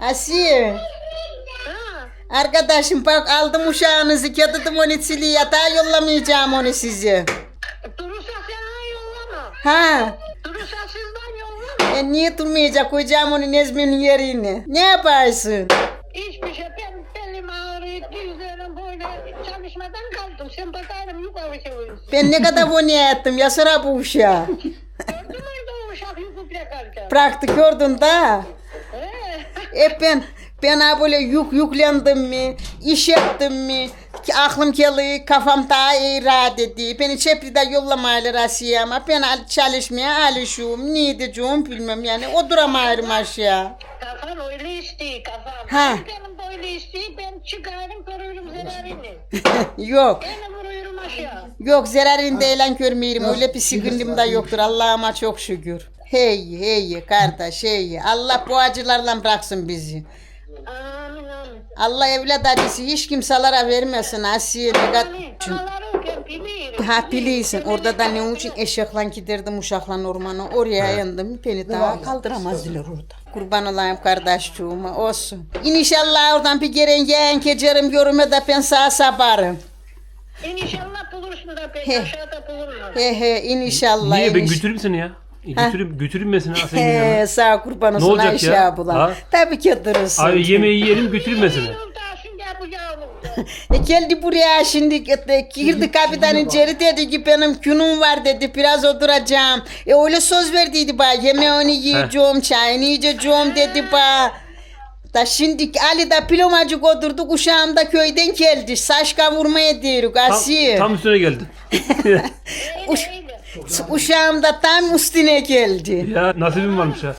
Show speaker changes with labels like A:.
A: Asiye.
B: Ha,
A: Arkadaşım bak aldım uşağınızı getirdim onu siliye yatağa yollamayacağım onu sizi.
B: durursa sen yollama.
A: Ha.
B: Durursa sizden yollama.
A: Niye durmayacak koyacağım onu Nezmi'nin yerine. Ne yaparsın?
B: Hiçbir şey. Ben belim ağrıyor. Dizlerim böyle çalışmadan kaldım. Sen bakarım yukarı çeviriyorsun.
A: Ben ne kadar bunu ettim ya sıra bu uşağı.
B: Gördün mü orada o uşak yukuk bırakarken?
A: Bıraktı gördün da.
B: He.
A: Ben ha böyle yüklendim mi, iş ettim mi, ki aklım geliyor, kafam daha iyi rahat ediyor. Beni çepride yollamayırlar Asiye ama ben çalışmaya alışıyorum. Ne diyeceğim bilmem yani oturamıyorum aşağı.
B: Kafan öyle istiyor kafam.
A: Ha.
B: Benim böyle istiyor. Ben çıkarım görürüm zararını.
A: Yok,
B: Beni vuruyorum aşağı.
A: yok zararını değilen görmeyeyim. Öyle bir sıkıntım da yoktur Allah'ıma çok şükür. Hey kardeş hey. Allah bu acılarla bıraksın bizi.
B: Amin amin.
A: Allah evlat acısı hiç kimselere vermesin Asiye.
B: Amin. Paraları öken bilirim.
A: Ha biliyorsun orada da ne için eşekle giderdim uşakla ormana oraya yandım beni daha kaldıramazdılar orada. Kurban olayım kardeşçuğuma olsun. İnşallah oradan bir gelen yeğen keçerim görüme de ben sağ sabarım.
B: İnşallah bulursun da
A: He.
B: ben aşağıda bulurum.
A: He inşallah.
C: Niye ben götüreyim seni ya? Götüreyim ben seni Asiye'nin
A: He
C: yanına.
A: sağ kurban olsun
C: olacak
A: Ayşe
C: ya?
A: abla.
C: Ha?
A: Tabii ki durursun.
C: Abi yemeği yiyelim götüreyim ben seni.
B: Yoldaşın gel bu yavrum.
A: Geldi buraya şimdi girdi kapıdan içeri dedi ki benim günüm var dedi biraz oturacağım. Öyle söz verdiydi bana yemeğini yiyeceğim çayını içeceğim dedi bana. Da şimdi Ali da pilomacık oturduk uşağım da köyden geldi. Saç kavurmaya diyoruz Asiye.
C: Tam üstüne geldi.
A: Uşağım da tam üstüne geldi.
C: Ya nasibim varmış ha.